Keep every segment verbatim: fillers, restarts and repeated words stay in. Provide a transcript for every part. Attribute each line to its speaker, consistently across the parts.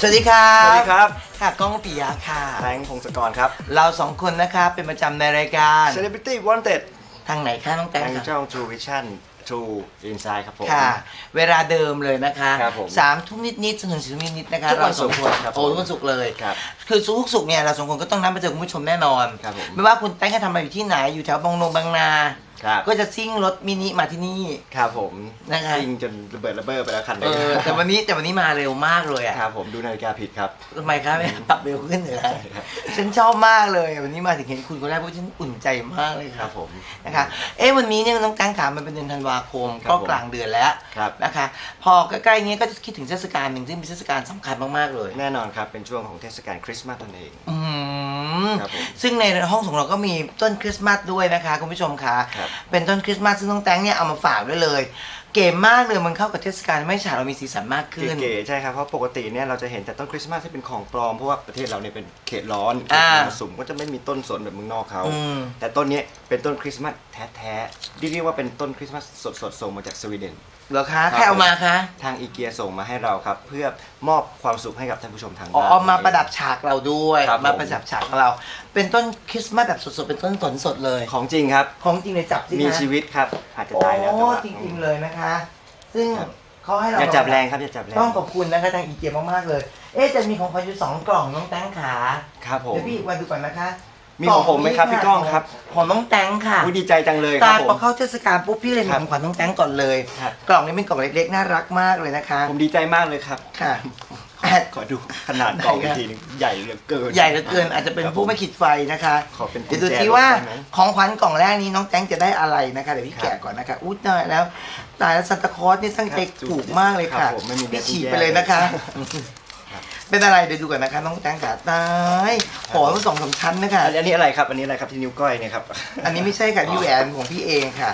Speaker 1: สวัสดีครับ
Speaker 2: สวัสดีครับ
Speaker 1: ค่ะก้องปิยะค่ะ
Speaker 2: แบงค์พงศกรครับ
Speaker 1: เราสองคนนะคะเป็นประจำในรายการ
Speaker 2: Celebrity Wanted
Speaker 1: ทางไหนคะน้องแตง
Speaker 2: ทาง
Speaker 1: ค่ะ
Speaker 2: ช่อง True Vision True Insight ครับผม
Speaker 1: ค่ะ เวลาเดิมเลยนะคะ
Speaker 2: ครับผม
Speaker 1: สามทุ่มนิดๆจนถึงสี่ทุ่มนิดๆนะคะ
Speaker 2: ทุกวันศุกร์
Speaker 1: เราสองคน
Speaker 2: ครับ
Speaker 1: โอ้ทุกวันศุกร์เลย
Speaker 2: ครับ
Speaker 1: คือทุกศุกร์เนี่ยเราสองคนก็ต้องนัดมาเจอคุณผู้ชมแน่นอน
Speaker 2: ครับผม
Speaker 1: ไม่ว่าคุณแตงจะทำอะไรอยู่ที่ไหนอยู่แถวบางนงบางนา
Speaker 2: ครับ
Speaker 1: ก็จะซิ่งรถมินิมาที่นี่
Speaker 2: ครับผม
Speaker 1: นะคะ
Speaker 2: จริงจนระเบิดระเบ้อไปแล้วคันหนึ
Speaker 1: เอง อแต่วันนี้แต่วันนี้มาเร็วมากเลยอ่ะ
Speaker 2: ครับผมดูนาฬิกาผิดครับ
Speaker 1: ทำไมครับไม่ปรับเร็วขึ้นเหรอ
Speaker 2: ใช่ครับ
Speaker 1: ฉันชอบมากเลยวันนี้มาถึงเห็นคุณคนแรกเพราะฉันอุ่นใจมากเลย
Speaker 2: ค
Speaker 1: ค
Speaker 2: รั
Speaker 1: รั
Speaker 2: บบ ผม
Speaker 1: นะคะเอ๊ะวันนี้เนี่ยน้องกังขามันเป็นเดือนธันวาคม
Speaker 2: ครับ
Speaker 1: ก็
Speaker 2: ผม
Speaker 1: กลางเดือนแล้ว
Speaker 2: ครับ
Speaker 1: นะคะพอใกล้ๆเงี้ยก็จะคิดถึงเทศกาลหนึ่งซึ่งเป็นเทศกาลสำคัญมากๆเลย
Speaker 2: แน่นอนครับเป็นช่วงของเทศกาลคริสต์มาสนั่นเอง
Speaker 1: อืม
Speaker 2: ครับผม
Speaker 1: ซึ่งในห้องของเราก็มีต้นคริสต์มาสด้วยนะคะคุณผู้ชมคะ
Speaker 2: ครับ
Speaker 1: เป็นต้นคริสต์มาสซึ่งน้องแตงเนี่ยเอามาฝากด้วยเลย เก๋มากเลยมันเข้ากับเทศกาลไม่ฉาเรามีสีสันมากขึ้น
Speaker 2: เก๋ๆใช่ครับเพราะปกติเนี่ยเราจะเห็นแต่ต้นคริสต์มาสที่เป็นของปลอมเพราะว่าประเทศเราเนี่ยเป็นเขตร้อนเขต
Speaker 1: อ่า
Speaker 2: มรสุมก็จะไม่มีต้นสนแบบเมืองนอกเขา
Speaker 1: อืม
Speaker 2: แต่ต้นเนี้ยเป็นต้นคริสต์มาสแท้ๆที่เรียกว่าเป็นต้นคริสต์มาสสดๆส่งมาจากสวีเดน
Speaker 1: เหรอคะใครเอามาคะ
Speaker 2: ทางอีเกียส่งมาให้เราครับ เพื่อมอบความสุขให้กับท่านผู้ชมทาง
Speaker 1: อ๋อ
Speaker 2: บ้าน
Speaker 1: เอามาประดับฉากเราด้วย
Speaker 2: ครับผม
Speaker 1: มาประดับฉากของเรา เป็นต้นคริสต์มาสแบบสดๆเป็นต้นสนสดเลย
Speaker 2: ของจริงครับ
Speaker 1: ของจริงเลยจับสิคะ
Speaker 2: มีชีวิตครับ อาจจะ
Speaker 1: โอ้
Speaker 2: ตายแล้วแต่ว่า
Speaker 1: จริงๆเลยนะคะ ซึ่ง
Speaker 2: ครับ
Speaker 1: เขาให้เรา
Speaker 2: อย่าจับแรงครับอย่าจับแรง
Speaker 1: ต้องขอบคุณนะคะทางอีเกียมากๆเลย เอ๊ะจะมีของขวัญอยู่สองกล่องน้องแตงขา
Speaker 2: ครับผม
Speaker 1: เดี๋ยวพี่วันดูก่อนนะคะ
Speaker 2: มีของผมไหมครับพี่ก้องครับ
Speaker 1: ของน้องแตงค่ะ
Speaker 2: อุ๊ยดีใจจังเลยค
Speaker 1: ตา
Speaker 2: รับผ
Speaker 1: พอ
Speaker 2: ม
Speaker 1: เข้าเทศกาลปุ๊บพี่เลยมี
Speaker 2: ครับ
Speaker 1: ของขวัญน้องแตงก่อนเลย
Speaker 2: ครับ
Speaker 1: กล่องนี้เป็นกล่องเล็กๆน่ารักมากเลยนะคะ
Speaker 2: ผมดีใจมากเลยครับ
Speaker 1: ค่ะ
Speaker 2: ขอดูขนาดกล่องอีกทีหนึงใหญ่เหลือเกิน
Speaker 1: ใหญ่เหลือเกินอาจจะเป็นผู้ไม่ขีดไฟนะคะ
Speaker 2: ขอเป็นกุ
Speaker 1: เดี๋ย
Speaker 2: ญ
Speaker 1: วดู
Speaker 2: แจ
Speaker 1: ทีว่า
Speaker 2: ได้ไหม
Speaker 1: ของขวัญกล่องแรกนี้น้องแตงจะได้อะไรนะคะเดี๋ยวพี่
Speaker 2: ครับ
Speaker 1: แกะก่อนนะคะอุ๊ยตายแล้วตายแล้วซันตาคลอสนี่ตั้งใจ
Speaker 2: ครับ
Speaker 1: ถูกมากเลย
Speaker 2: ครั
Speaker 1: ค่ะ
Speaker 2: บผมไม่มี
Speaker 1: พี่
Speaker 2: แบบ
Speaker 1: ฉีก
Speaker 2: แยก
Speaker 1: ไปเลยนะคะ
Speaker 2: ครับ
Speaker 1: เป็นอะไรเดี๋ยวดูก่อนนะคะน้องแตงขาตายหอมสองสามชั้นนะคะ
Speaker 2: อันอันนี้อะไรครับ อันนี้อะไรครับที่นิ้วก้อยเนี่ยครับ
Speaker 1: อันนี้ไม่ใช่ค่ะที่แหวนของพี่เองค่ะ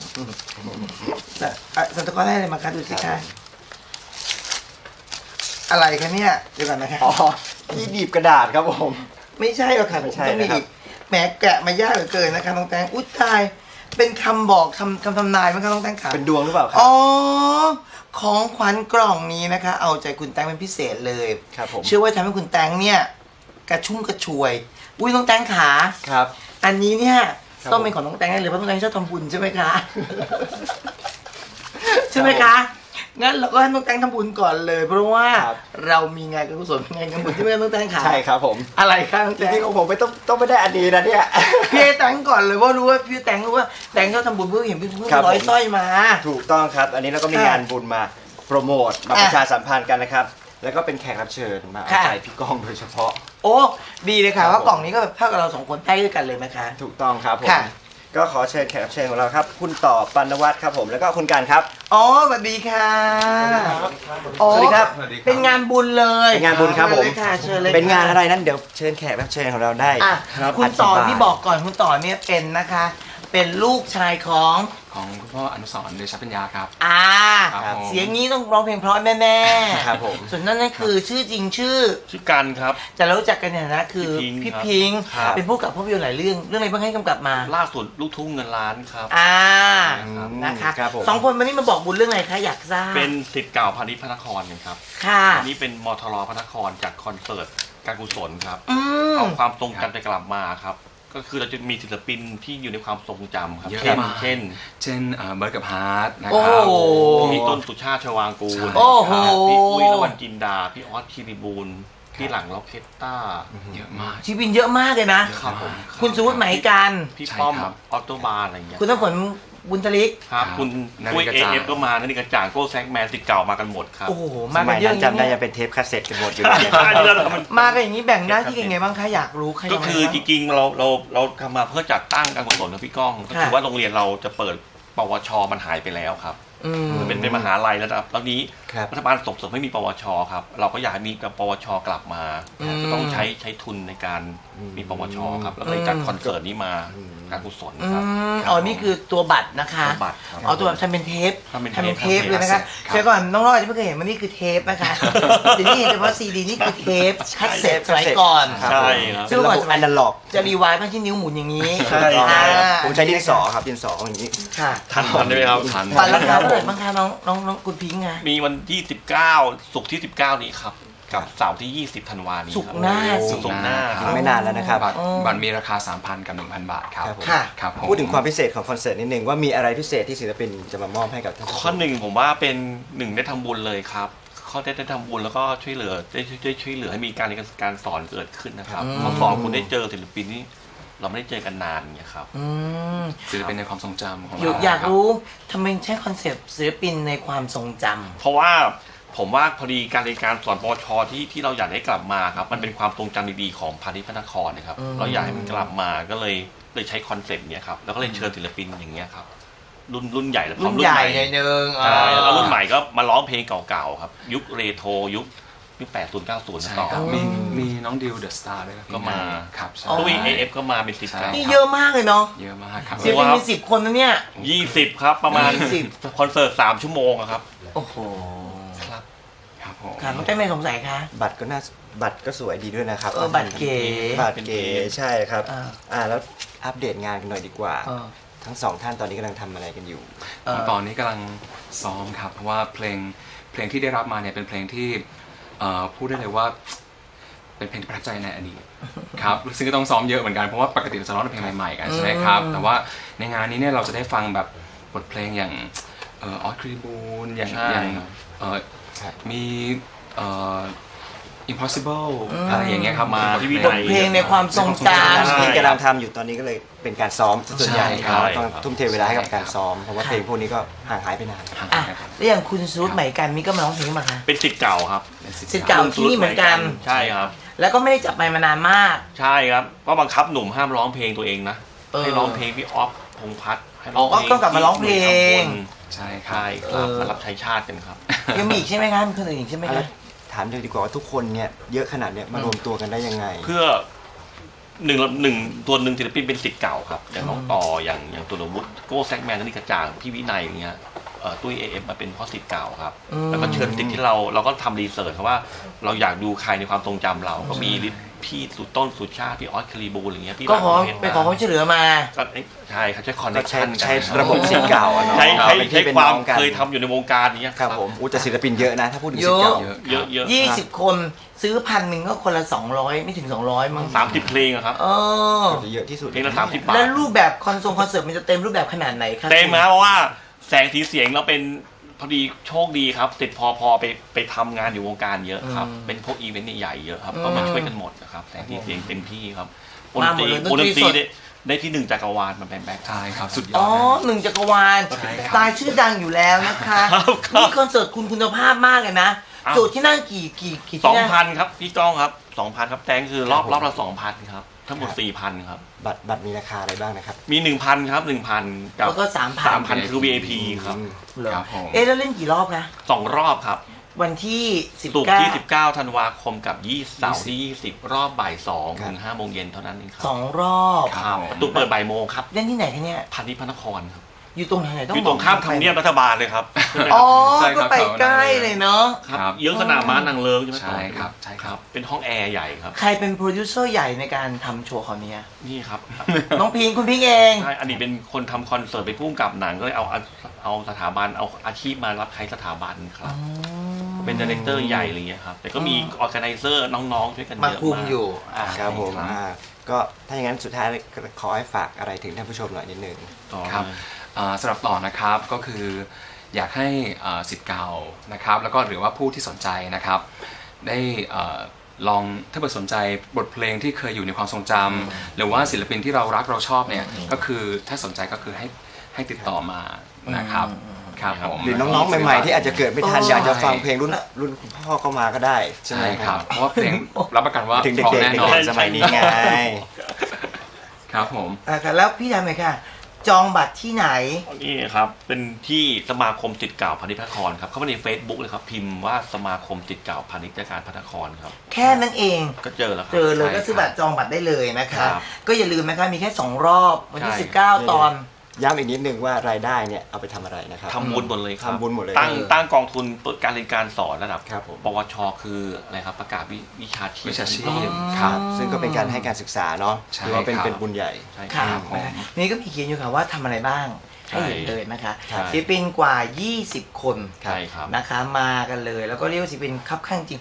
Speaker 1: อ่ะซันตาคลอสได้อะไรมาคะดูสิคะอะไรคะเนี่ยเดี๋ยวก่อนนะคะ
Speaker 2: อ๋อที่บีบกระดาษครับผม
Speaker 1: ไม่ใช่หรอกค่ะ
Speaker 2: ไม่ใช่
Speaker 1: ต้องมี
Speaker 2: นะครับ
Speaker 1: อีกแหมแกะมายากเหลือเกินนะคะน้องแตงอุ้ยตายเป็นคำบอกคำคำทำนายมั้งคะน้องแตงขา
Speaker 2: เป็นดวงหรือเปล่าครั
Speaker 1: อ๋อของขวัญกล่องนี้นะคะ เอาใจคุณแตงเป็นพิเศษเลย
Speaker 2: ครับผม
Speaker 1: เชื่อว่าทำให้คุณแตงเนี่ยกระชุ่มกระชวย อุ้ยน้องแตงขา
Speaker 2: ครับ
Speaker 1: อันนี้เนี่ย
Speaker 2: ครับ
Speaker 1: ต้องเป็นของน้องแตงแน่เลยเพราะน้องแตงชอบทำบุญใช่ไหมคะ ใช่ไหมคะ งั้นเราก็ให้น้องแตงทำบุญก่อนเลย เพราะว่า
Speaker 2: ครับ เรามี
Speaker 1: มีงานการกุศลงานกันบุญที่ไม่ต้องแตงขา
Speaker 2: ใช่ครับผม
Speaker 1: อะไรคะน้อง
Speaker 2: จ
Speaker 1: แตง
Speaker 2: ริงๆของผมไม่ต้องต้องไม่ได้อันนี้นะเนี่ย
Speaker 1: พี่แตงก่อนเลยว่ารู้ว่าพี่แตงรู้ว่าแตงเขาทำบุญเพื่อเห็นเพื่อน
Speaker 2: ครับ
Speaker 1: ร้อย
Speaker 2: ผม
Speaker 1: สร้อยมา
Speaker 2: ถูกต้องครับ อันนี้เราก็มี
Speaker 1: ค่ะ
Speaker 2: งานบุญมาโปรโมทมา
Speaker 1: อ่ะ
Speaker 2: ประชาสัมพันธ์กันนะครับ แล้วก็เป็นแขกรับเชิญมาเอา
Speaker 1: ค่ะ
Speaker 2: ใจพี่ก้องโดยเฉพาะ
Speaker 1: โอ้ดีเลยค่ะ
Speaker 2: ครับ
Speaker 1: ว่ากล่องนี้ก็แบบเท่ากับเราสองคนใต้ด้วยกันเลยนะคะ
Speaker 2: ถูกต้องครับผม
Speaker 1: ค่ะ
Speaker 2: ก็ขอเชิญแขกรับเชิญของเราครับ คุณต่อปานวัฒน์ครับผม แล้วก็คุณการครับ
Speaker 1: อ๋อสวัสดีค่ะอ๋อ
Speaker 2: สวัสดีครับ
Speaker 1: เป็นงานบุญเลย
Speaker 2: เป็นงานบุญครับผม
Speaker 1: เชิญเลยค่ะเชิญเลย
Speaker 2: เป็นงาน
Speaker 1: ค่
Speaker 2: อะไรนั้นเดี๋ยวเชิญแขกรับเชิญของเราได้
Speaker 1: อ่ะ
Speaker 2: รับ
Speaker 1: คุณต่อ
Speaker 2: ธิบาย
Speaker 1: ที่บอกก่อนคุณต่อเนี่ยเป็นนะคะ เป็นลูกชายของ
Speaker 3: ของคุณพ่ออนุสรณ์เดชปัญญาครับ
Speaker 1: อ่า
Speaker 3: ครับผม
Speaker 1: เสียงนี้ต้องร้องเพลงเพราะแน่ๆ
Speaker 2: ครับผม
Speaker 1: ส่วนนั่นนั่นคือชื่อจริงชื่อ
Speaker 4: ชื่อกันครับ
Speaker 1: จะรู้จักกันในฐานะคือ
Speaker 4: พี่
Speaker 1: พี่
Speaker 4: พิ
Speaker 1: พิง
Speaker 4: งค์
Speaker 1: ค์
Speaker 4: ครับ
Speaker 1: เป็นผู้กำกับภาพยนตร์หลายเรื่อง เรื่องอะไรบ้างให้กำกับมา
Speaker 4: ล่าสุดลูกทุ่งเงินล้านครับ
Speaker 1: อ่า
Speaker 2: อืม
Speaker 1: นะคะ
Speaker 2: ครับผม
Speaker 1: สองคนวันนี้มาบอกบุญเรื่องอะไรคะอยากทราบ
Speaker 4: เป็นศิษย์เก่าพาณิชย์พระนครกันครับ
Speaker 1: ค่ะ
Speaker 4: อันนี้เป็นมทรพระนครจากคอนเสิร์ตการกุศลครับ
Speaker 1: อืม
Speaker 4: เอาความทรงจำไปกลับมาครับ ก็คือเราจะมีศิลปินที่อยู่ในความทรงจำครับ
Speaker 3: เยอะ
Speaker 4: เช่น
Speaker 3: มาก
Speaker 4: เช่น
Speaker 3: เช่นเอ่อเบิร์ดกับฮาร์ดนะ
Speaker 1: โอ้
Speaker 3: ครับ
Speaker 1: โห
Speaker 4: พี่ต้นสุชาติชวางกูล
Speaker 1: โอ้โห
Speaker 4: ครับพี่อุ้ยละวันจินดา พี่ออสคิริบูลพี่หลังล็อกเคตต้า
Speaker 3: เยอะมาก
Speaker 1: ชีวินเยอะมากเลยนะ
Speaker 4: ครับผม
Speaker 1: คุณสุวุฒิไหมกัน
Speaker 4: พี่
Speaker 3: ใช่
Speaker 4: ป้อม
Speaker 3: ครับ
Speaker 4: ออโตบาร์อะไรอย่างเงี้ย
Speaker 1: คุณน้ำฝนบุญทลิก
Speaker 4: ครับ
Speaker 3: ครับ
Speaker 4: คุณ
Speaker 3: นาฬิ
Speaker 4: อุ้ย
Speaker 3: กา
Speaker 4: เอ
Speaker 3: จ่าง
Speaker 4: เอฟก็มานาฬิกาจ่างโก้แซกแมนศิษย์เก่ามากันหมดครับ
Speaker 1: โอ้โห
Speaker 2: ส
Speaker 1: มากั
Speaker 2: มัน ย
Speaker 1: เยอะ
Speaker 2: นั้น
Speaker 1: อย่าง
Speaker 2: จำได้
Speaker 1: นี้
Speaker 2: ยังเป็นเทปคาสเซ็ตกันหมดอยู่เลย
Speaker 1: มากันอย่างนี้แบ่งหน้าที่กันไงบ้างคะอยากรู้ใคร
Speaker 4: ก็คือจริงๆเราเราเราทำมาเพื่อจัดตั้งการกุศลนะพี่ก้องก็คือว่าโรงเรียนเราจะเปิดปวชมันหายไปแล้วครับ
Speaker 1: อืม
Speaker 4: เป็นเป็นมหาลัยแล้วนะครับตอนนี้
Speaker 2: ครับ
Speaker 4: รัฐบาลส่งเสริมให้มีปวชครับเราก็อยากให้มีกับปวชกลับมา
Speaker 1: อืม
Speaker 4: จะต้องใช้ใช้ทุนในการมีปวชครับแล้วก็เลยจัดคอนเสิร์ตนี้มาการกุศล
Speaker 1: อื
Speaker 4: ครับ
Speaker 1: มอ๋อนี่คือตัวบัตรนะคะ
Speaker 4: ตัวบัตรครับ
Speaker 1: อ๋อตัวบัตรทำเป็นเทป
Speaker 4: ทำเป็นเทป
Speaker 1: ทำเป็นเทป
Speaker 4: ครับ
Speaker 1: เลยนะคะ
Speaker 3: ครับ
Speaker 1: เดี๋ยวก่อนน้องรอดจะไม่เคยเห็นว่านี่คือเทปนะคะเดี๋ยวนี้เห็นเฉพาะซีดีนี่คือเทปคัสเซ็ตสมัยก่อน
Speaker 2: ครับ
Speaker 4: ใช่ครับ
Speaker 1: ซึ่ง
Speaker 2: ระบบอนาล็อก
Speaker 1: จะรีไวล์มาที่นิ้วหมุนอย่างนี้
Speaker 2: ใช่
Speaker 1: อ่า
Speaker 2: ผมใช้ดินสอครับดินสออย่างนี้
Speaker 1: ค่ะ
Speaker 4: ทันทันได้ไหมครับ
Speaker 3: ทัน
Speaker 1: บัตรราคาเท่าไหร่บ้างคะน้องน้องน้องคุณพิงค์คะ
Speaker 4: มีวันที่สิบเก้าศุกร์ที่สิบเก้านี้ครับกับเสาร์ที่ ยี่สิบ ธันวาคมนี้
Speaker 1: ศุก
Speaker 4: ครั
Speaker 1: ร์หน้า
Speaker 4: โอ้
Speaker 1: สิ
Speaker 4: ศุกร์หน้า
Speaker 3: ค
Speaker 4: ค
Speaker 3: รั
Speaker 4: รับ บ
Speaker 2: ไม่นานแล้วนะครับ
Speaker 3: บัตร
Speaker 1: อ๋อ
Speaker 3: บัตรมีราคา สามพัน กับ หนึ่งพัน บาทครับ
Speaker 2: ครับผม
Speaker 1: ค่ะ
Speaker 3: ครับผม
Speaker 2: พูดถึงความพิเศษของคอนเสิร์ตนิดนึงว่ามีอะไรพิเศษที่ศิลปินจะมามอบให้กับท่านผู้ช
Speaker 4: ข้อ
Speaker 2: ม
Speaker 4: หนึ่งผมว่าเป็นหนึ่งได้ทำบุญเลยครับข้อได้ได้ทำบุญแล้วก็ช่วยเหลือได้ช่วยได้ช่วยเหลือให้มีการเรียนการสอนเกิดขึ้นนะครับ
Speaker 1: อืม
Speaker 4: ข้อสองคุณได้เจอศิลปินที่เราไม่ได้เจอกันนานเนี่ยครับ
Speaker 1: อืม
Speaker 3: ศิลปินในความทรงจำของ
Speaker 1: อยู่
Speaker 3: เรา
Speaker 1: อยาก
Speaker 3: คบ
Speaker 1: รู้ทำไมใช้คอนเซปต์ศิลปินในความทรงจำ
Speaker 4: เพราะว่าผมว่าพอดีการเรียนการสอนปวชที่ที่เราอยากให้กลับมาครับมันเป็นความทรงจำดีๆของพาณิชย์พระนครนะครับ
Speaker 1: อืม
Speaker 4: เราอยากให้มันกลับมาก็เลยเลยใช้คอนเซ็ปต์เนี้ยครับแล้วก็เลยเชิญศิลปินอย่างเงี้ยครับรุ่นรุ่นใหญ่และพร้อ
Speaker 1: รุ่
Speaker 4: ม
Speaker 1: น
Speaker 4: รุ่
Speaker 1: ให
Speaker 4: น
Speaker 1: ญ่
Speaker 4: ใหม่
Speaker 1: หน่อยนึง
Speaker 4: ใช่แล้วก็รุ่น
Speaker 1: อ่า
Speaker 4: ใหม่ก็มาร้องเพลงเก่าๆครับยุคเรโทรยุคยุคแปดศูนย์เก้าศูนย์
Speaker 3: ใช่
Speaker 4: ต่อ
Speaker 3: ครับ
Speaker 1: อืม
Speaker 3: มีมีน้องดิวเดอะสตาร์ด้วยครับ
Speaker 4: ก็มา
Speaker 3: ครับใช่
Speaker 4: ตุ้ยเอฟก็มาเป็นสิบ
Speaker 3: ใช่
Speaker 4: เก้า
Speaker 1: นี่เยอะมากเลยเนาะ
Speaker 3: เยอะมากครับ
Speaker 1: ศิลปินมีสิบคนนะเนี่ย
Speaker 4: ยี่สิบครับประมาณ
Speaker 1: ยี่สิบ
Speaker 4: คอนเสิร์ตสามชั่วโมงอะครับ
Speaker 1: โอ้โห
Speaker 4: ครับ
Speaker 3: ครับผม
Speaker 1: ค่ะน้องแต้มไม่สงสัยคะ
Speaker 2: บัตรก็น่าบัตรก็สวยดีด้วยนะครับ
Speaker 1: เออบัตรเก๋
Speaker 2: บัตรเก๋ใช่ครับ
Speaker 1: อ่า
Speaker 2: อ่าแล้วอัปเดตงานกันหน่อยดีกว่า
Speaker 1: เออ
Speaker 2: ทั้งสองท่านตอนนี้กำลังทำอะไรกันอยู่
Speaker 1: เออ
Speaker 3: ตอนนี้กำลังซ้อมครับเพราะว่าเพลงเพลงที่ได้รับมาเนี่ยเป็นเพลงที่เอ่อพูดได้เลยว่าเป็นเพลงที่ประทับใจในอดีตครับซึ่งก็ต้องซ้อมเยอะเหมือนกันเพราะว่าปกติเราจะร้องเพลงใหม่ๆกันใช่ไหมครับ
Speaker 1: อืม
Speaker 3: แต่ว่าในงานนี้เนี่ยเราจะได้ฟังแบบบทเพลงอย่างเออออสครีบูนอย่าง
Speaker 4: ใช่
Speaker 3: อย่างเอ่อ
Speaker 2: ครับ
Speaker 3: มีเอ่อ impossible อะไรอย่างเงี้ยครับ
Speaker 4: มาที่วิ
Speaker 1: บ
Speaker 4: นั
Speaker 1: ท
Speaker 4: ย
Speaker 1: เพลงในความทรงจ
Speaker 4: ใช่
Speaker 2: ที่กำลังทำอยู่ตอนนี้ก็เลยเป็นการซ้อมส่วนใหญ่
Speaker 3: ใช่
Speaker 2: ค
Speaker 3: ครั
Speaker 2: รับบ ต้อง
Speaker 4: ครับ
Speaker 2: ทุ่มเทเวลาให้กับการซ้อมเพราะว่าเพลงพวกนี้ก็ห่างหายไปนาน
Speaker 3: ห่าง
Speaker 1: ำอ่ะ
Speaker 3: กันครับ
Speaker 1: แล้วอย่างคุณซูดใหม่กันมีก็มาร้องเพลงมาคะ
Speaker 4: เป็นสิทธิ์เก่าครับ
Speaker 3: เป็น
Speaker 1: สิทธิ์เก่าที่นี่เหมือนกัน
Speaker 4: ใช่ครับ
Speaker 1: แล้วก็ไม่ได้จับไมค์มานานมาก
Speaker 4: ใช่ครับก็บังคับหนุ่มห้ามร้องเพลงตัวเองนะ
Speaker 1: เออ
Speaker 4: ให้ร้องเพลงพี่ออฟพงษ์พัฒน์ให้
Speaker 1: อ๋อก็ก็กลับมาร้องเพลง
Speaker 3: ใช่ครับ
Speaker 4: ใช่ครับ
Speaker 1: เออ
Speaker 4: มารับใช้ชาติกันครับ
Speaker 1: ยังมีอีกใช่ไหมคะมีคนอื่นอีกใช่ไหม
Speaker 2: แล้
Speaker 1: คะ
Speaker 2: วถามเลยดีกว่าว่าทุกคนเนี่ยเยอะขนาดเนี้ยมารวมตัวกันได้ยังไง
Speaker 4: เพื่อหนึ่งหนึ่งตัวหนึ่งศิลปินเป็นสิทธิ์เก่าครับอย่างน้องต่ออย่างอย่างตัววุฒิโก้แซกแมนนี่กระจ่างพี่วินัยอย่างเงี้ยเอ่อตุ้ยเอฟมาเป็นเพราะสิทธิ์เก่าครับ
Speaker 1: อืม
Speaker 4: แล้วก็เชิญสิทธิ์ที่เราเราก็ทำรีเสิร์ชเพราะว่าเราอยากดูใครในความทรงจำเราก็มีพี่สุดต้นสุดชาติพี่ออสคารีบูลอะไรเงี้ยพี่
Speaker 1: ก็ขอ
Speaker 4: หลังเพชร
Speaker 1: ไปขอความช่วยเหลือมา
Speaker 4: ก็เอ๊ะใช่ครับใช้คอนเน
Speaker 2: ก็
Speaker 4: ค
Speaker 2: ใช้
Speaker 4: ชั่น
Speaker 2: ใช้ระบบสิทธิ์เก่าอะเนาะ
Speaker 4: ใช้ใช้
Speaker 2: เป็น
Speaker 4: ใช้
Speaker 2: พี่เป็น
Speaker 4: ความ
Speaker 2: น้องกัน
Speaker 4: เคยทำอยู่ในวงการนี้
Speaker 2: ครับผมอู้แต่ศิลปินเยอะนะ ถ้าพูดถึงสิทธิ์เก่า
Speaker 1: เยอะ
Speaker 4: เยอะเยอะ
Speaker 1: ยี่สิบคนซื้อพันหนึ่งก็คนละสองร้อยไม่ถึงสองร้อยมั้ง
Speaker 4: สามสิบเพลงอะครับ
Speaker 1: เออ
Speaker 2: จะเยอะที่สุด
Speaker 4: เพลงละสามสิบบาท
Speaker 1: แล้วรูปแบบคอนเสิร์ตคอนเสิร์ตมันจะเต็มรูปแบบขนาดไหนคะ
Speaker 4: เต็มนะเพราะว่าแสงสีเสียงเราเป็นพอดีโชคดีครับติดพอพอไปไปทำงานอยู่วงการเยอะครับ เป็นพวกอีเวนต์ใหญ่ๆเยอะครับก็มาช่วยกันหมดนะครับแสงสีเสียงเต็มที่ครับดนตรีดนตรีได้ได้ที่หนึ่งจักรวาลมาแบ็คแบ็ค
Speaker 3: ใช่ครับสุดยอ
Speaker 1: อ๋อ
Speaker 3: ดนะ
Speaker 1: หนึ่งจักรวาล
Speaker 3: ใช่ครับ
Speaker 1: ตายชื่อดังอยู่แล้วนะคะ
Speaker 4: ครับครับ
Speaker 1: นี่คอนเสิร์ตคุณคุณภาพมากเลยนะ
Speaker 4: อ้าว
Speaker 1: จุดที่นั่งกี่กี่กี่
Speaker 4: สอ
Speaker 1: ที่
Speaker 4: ง
Speaker 1: นั่ง
Speaker 4: พันครับพี่ก้องครับสองพันครับแตงคือรอบรอบละสองพันครับทั้งหมดสี่พันครับ
Speaker 2: บัตรบัตรมีราคาอะไรบ้างนะครับ
Speaker 4: มีหนึ่งพันครับหนึ่งพันกับ
Speaker 1: แล้วก็สามพัน
Speaker 4: สามพันคือ วี ไอ พี ครับ
Speaker 2: อืม
Speaker 1: เหรอ
Speaker 3: ครับผม
Speaker 1: เอ๊ะแล้วเล่นกี่รอบคะ
Speaker 4: สองรอบครับ
Speaker 1: วันที่สิบ
Speaker 4: ศุกร์
Speaker 1: เก้า
Speaker 4: ที่สิบเก้าธันวาคมกับยี่เสาร์ที่ยี่สิบรอบบ่ายสองถึงห้าโมงเย็นเท่านั้นเองครั
Speaker 1: สองรอบ
Speaker 4: ครับประตูเปิดบ่ายโมงครับ
Speaker 1: เล่นที่ไหนคะเนี่ย
Speaker 4: พาณิชย์พระนครครับ
Speaker 1: อยู่ตรงไหนต้อง
Speaker 4: อยู่ตรงข้ามทำเนียบรัฐบาลเลยครับ
Speaker 1: อ๋อ
Speaker 3: ใช่ค
Speaker 1: ก็
Speaker 3: รับ
Speaker 1: ไปใกล้เลยเนาะ
Speaker 4: ครับเยื้องสนามม้านางเลิงใช่ไหม
Speaker 3: ใช่ครับใช่ครับ
Speaker 4: เป็นห้องแอร์ใหญ่ครับ
Speaker 1: ใครเป็นโปรดิวเซอร์ใหญ่ในการทำโชว์คราวนี้
Speaker 4: นี่ครับ
Speaker 1: น้องพิงค์คุณพิงค์เอง
Speaker 4: ใช่อันนี้เป็นคนทำคอนเสิร์ตไปพุ่งกับหนังก็เลยเอาเอาสถาบันเอาอาชีพมารับใช้สถาบันครับ เป็นดีเรคเตอร์ใหญ่อะไรเงี้ยครับ แต่ก็มีออร์แกไนเซอร์น้องๆช่วยกันเย
Speaker 1: มา
Speaker 4: อะ
Speaker 1: คุม
Speaker 4: มาก
Speaker 1: อยู่อ่า
Speaker 2: ครับผม
Speaker 4: ครับ
Speaker 2: อ่าก็ถ้าอย่างนั้นสุดท้ายก็ขอให้ฝากอะไรถึงท่านผู้ชมหน่อยนิดนึง
Speaker 4: ต่อ
Speaker 3: ครับ อ่าสำหรับต่อนะครับก็คืออยากให้อ่าสิทธิ์เก่านะครับแล้วก็หรือว่าผู้ที่สนใจนะครับได้อ่าลองถ้าเกิดสนใจบทเพลงที่เคยอยู่ในความทรงจำหรือว่าศิลปินที่เรารักเราชอบเนี่ยก็คือถ้าสนใจก็คือให้ให้ติดต่อมานะครับครับผม
Speaker 2: หรือน้องๆใหม่ๆที่อาจจะเกิดไม่ทัน
Speaker 1: เออ
Speaker 2: อยากจะฟังเพลงรุ่นรุ่นคุณพ่อเข้ามาก็ได้ใช่ไหม
Speaker 3: ใช่
Speaker 2: ค
Speaker 3: ค
Speaker 2: รั
Speaker 3: รั
Speaker 2: บบ
Speaker 3: เพราะว่าเพลงรับประกันว่า
Speaker 2: ถึง
Speaker 3: เพราะ
Speaker 2: เด็ก
Speaker 3: แน่
Speaker 2: ๆ
Speaker 3: นอน
Speaker 2: เด็กๆสมัยนี้ไง
Speaker 3: ครับผม
Speaker 1: อ่าค่ะแล้วพี่ทำไงค่ะ จองบัตรที่ไหน
Speaker 4: นี่ครับเป็นที่สมาคมจิตเก่าพาณิชย์พระนครครับเข้ามาใน Facebook เลยครับพิมพ์ว่าสมาคมจิตเก่าพาณิชย์การพระนครครับ
Speaker 1: แค่นั้นเอง
Speaker 4: ก็เจอแล้วครั
Speaker 1: เจอเลย
Speaker 3: ใช่
Speaker 1: ก็ซื้อบัตรจองบัตรได้เลยนะคะ
Speaker 4: ครับ
Speaker 1: ก็อย่าลืมนะคะมีแค่สองรอบวันที่
Speaker 4: ใช่
Speaker 1: สิบเก้าตอน
Speaker 2: ย้ำอีกนิดนึงว่ารายได้เนี่ยเอาไปทำอะไรนะครับ
Speaker 4: ทำบุญหมดเลยครับ
Speaker 2: ทำบุญหมดเลย
Speaker 4: ตั้ง
Speaker 1: เออ
Speaker 4: ตั้งกองทุนเปิดการเรียนการสอนระดับ
Speaker 2: ครับผม
Speaker 4: ปวชคืออะไรครับประกาศวิวิชาชีพ
Speaker 3: วิชาชีพ
Speaker 1: อ๋อ
Speaker 3: ครับ
Speaker 2: ซึ่งก็เป็นการให้การศึกษาเนาะ
Speaker 3: ใช่
Speaker 2: ถือว่าเป็น
Speaker 3: ครับ
Speaker 2: เป็นบุญใหญ่
Speaker 4: ใช่ค
Speaker 1: ค่ะ
Speaker 4: รับ
Speaker 3: ผม
Speaker 1: นะคะนี่ก็มีเขียนอยู่ค่ะว่าทำอะไรบ้างให้เห็นเลยนะคะ
Speaker 4: ใช่
Speaker 1: ศิลปินกว่ายี่สิบคน
Speaker 4: ใช่ครับ
Speaker 1: นะคะมากันเลย แล้วก็เรียกว่าศิลปินคับข้างจริง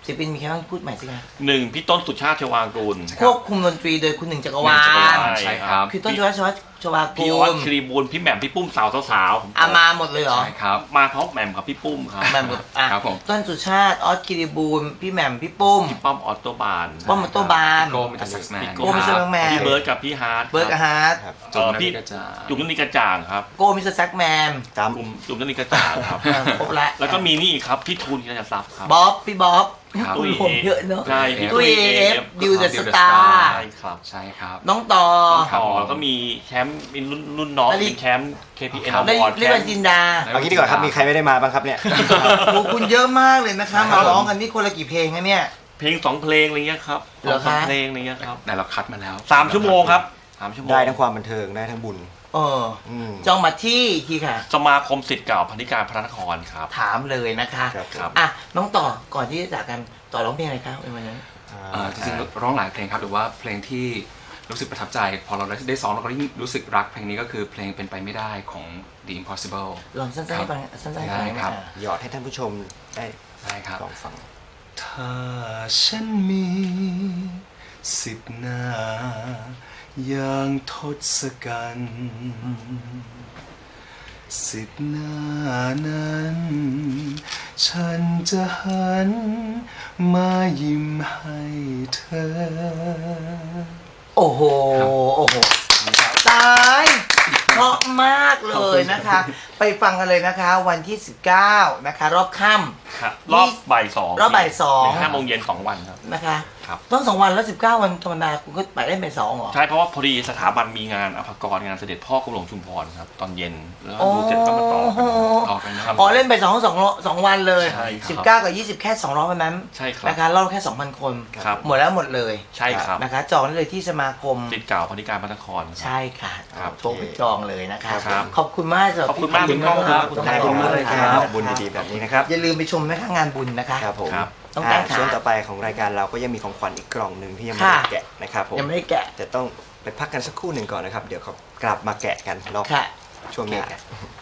Speaker 1: ศิลปินมีใครบ้างพูดใหม่สิคะ
Speaker 4: หนึ่งพี่ต้นสุชาติชวางกูล
Speaker 1: ควบคุมดนตรีโดยคุณหนึ่งจักรวา
Speaker 3: จักรวา
Speaker 1: ล
Speaker 3: ล ใช่ครับ
Speaker 1: คือต้นชวาชวาชวา
Speaker 4: พี่
Speaker 1: กู
Speaker 4: ออส
Speaker 1: ล
Speaker 4: ครีบูลพี่แหม่มพี่ปุ้มสาวสาวๆผม
Speaker 1: อามาหมดเลยเหรอ
Speaker 3: ใช่ครับ
Speaker 4: มาพร้อมแหม่มกับพี่ปุ้มครับ
Speaker 1: แหม่มกับอ่ะ
Speaker 3: ครับผม
Speaker 1: ต้นสุชาติออสกิริบูลพี่แหม่มพี่ปุ้ม
Speaker 4: พี่ป้อมออโตบาน
Speaker 1: ป้อมออโต้บาน
Speaker 3: โก้มิสเตอร์แซ็กซ์แมน
Speaker 1: โก้มิสเตอร์แซ็กซ์แมน
Speaker 4: พี่เบิร์ดกับพี่ฮาร์ด
Speaker 1: เบิร์กฮาร์ด
Speaker 2: ครับ
Speaker 4: เอ่อพี่
Speaker 3: จุ๊บ
Speaker 4: จุ่มนันนิกระจ่างครับ
Speaker 1: โก้มิสเตอร์แซกแมน
Speaker 2: ตาม
Speaker 4: จุ่มจุ่มนันนิกระจ่างครับ
Speaker 1: อ่ะครบละ
Speaker 4: แล้วก็มีนี่อีกครับพี่ทูนกิจทรัพย์ครับ
Speaker 1: บ๊อบพี่บ๊อบ
Speaker 3: ครับ
Speaker 1: ตุ้ยผมเยอะเนอะ
Speaker 4: ใช่พี่
Speaker 1: ตุ้ยเอฟดิวเดอะสตา
Speaker 4: ใช่
Speaker 1: ร์
Speaker 4: ครับ
Speaker 3: ใช่ครับ
Speaker 1: น้องต่อ
Speaker 4: ต่อแล้วก็มีแชมป์เป็นรุ่นรุ่นน้อง
Speaker 1: นาฬิ
Speaker 4: เป็นแชมป์ เค พี เอ็น
Speaker 3: ครับ
Speaker 1: ได้
Speaker 4: อวอร์ด
Speaker 1: เรียกว่าจินดา
Speaker 2: เอางี้ดีกว่าครับมีใครไม่ได้มาบ้างครับเนี่ย
Speaker 1: โอ้คุณเยอะมากเลยนะคะ มาร้องกันนี่คนละกี่เพลงคะเนี่ย
Speaker 4: เพลงสองเพลงอะไรเงี้ยครับ
Speaker 1: เหรอ
Speaker 4: สอง
Speaker 1: คะ
Speaker 4: เพลงอะไรเงี้ยครับ
Speaker 3: แต่เราคัดมาแล้ว
Speaker 4: สามชั่วโมงครับสามชั่วโมง
Speaker 2: ได้ทั้งความบันเทิงได้ทั้งบุญ
Speaker 1: เออ
Speaker 2: อืม
Speaker 1: จองมาที่ทีค่ะ
Speaker 4: สมาคมศิษย์เก่าพันธิการพระนครครับ
Speaker 1: ถามเลยนะคะ
Speaker 2: ครับ
Speaker 4: ครับ
Speaker 1: อ่ะน้องต่อก่อนที่จะจากกันต่อร้องเพลงอะไรครับในวันนั้น
Speaker 3: เอ่อจริงๆร้องหลายเพลงครับหรือว่าเพลงที่รู้สึกประทับใจ พอเราได้ซ้อมเราก็ยิ่งรู้สึกรักเพลงนี้ก็คือเพลงเป็นไปไม่ได้ของ The Impossible
Speaker 1: ลองสั้นๆให้ฟังสั้นๆให้ฟัง
Speaker 3: ได้ครับ
Speaker 1: อ่ะ
Speaker 2: หยอดให้ท่านผู้ชมได้
Speaker 3: ได้ครับ
Speaker 2: ลองฟัง
Speaker 3: ถ้าฉันมีสิบหน้าอย่างทศกัณฐ์สิบหน้านั้น ฉันจะหันมายิ้มให้เธอ
Speaker 1: โอ้โห โอ้โห ตายเพราะมากเลยนะคะ ไปฟังกันเลยนะคะ วันที่ สิบเก้า นะคะ รอบค่ำ
Speaker 4: ครับรอบบ่ายสอง
Speaker 1: รอบบ่ายสอง
Speaker 4: ห้าโมงเย็นสองวันครับ
Speaker 1: นะคะ
Speaker 4: ครับ
Speaker 1: ต้องสองวันแล้วสิบเก้าวันธรรมดาคุณก็ไปได้ไปสองเหรอ
Speaker 4: ใช่เพราะว่าพอดีสถาบันมีงานอภากรงานเสด็จพ่อกรมหลวงชุมพรครับตอนเย็นแล้วก็ดูเสร็จก็มาต่อกัน
Speaker 3: ต่อกันนะครับ
Speaker 1: อ๋อเล่นไปสองสองสองวันเลย
Speaker 4: ใช่ครับ
Speaker 1: สิบเก้ากับยี่สิบแค่สองร้อยวันนั้น
Speaker 4: ใช่ครับ
Speaker 1: นะคะรอบแค่สองพันคน
Speaker 4: ครับ
Speaker 1: หมดแล้วหมดเลย
Speaker 4: ใช่ครับ
Speaker 1: นะคะ จองได้เลยที่สมาคม
Speaker 4: ศิษย์เก่าพันธิการพระนครครับ
Speaker 1: ใช่ค่ะ
Speaker 4: ครับ
Speaker 1: โทรไปจองเลยนะคะ
Speaker 4: ครับ
Speaker 1: ขอบคุณมากสำหรับ
Speaker 4: ขอบคุณมากคุณก้องครับ
Speaker 1: ขอบ
Speaker 2: ขอบคุณมากเลยครับบุญดีๆแบบนี้นะครับ
Speaker 1: อย่าลืมไปชมนะคะงานบุญนะคะ
Speaker 2: ครับผม
Speaker 4: ครับ
Speaker 1: ต้อง
Speaker 2: อ่า
Speaker 1: ตั้งขา
Speaker 2: ช่วงต่อไปของรายการเราก็ยังมีของขวัญอีกกล่องหนึ่งที่ยังไม่
Speaker 1: ค่ะ
Speaker 2: ได้แกะนะครับผม
Speaker 1: ยังไม่ได้แกะ
Speaker 2: จะต้องไปพักกันสักครู่หนึ่งก่อนนะครับ เดี๋ยวเขากลับมาแกะกันรอบ
Speaker 1: ค่ะ
Speaker 2: ช่วงหนี้า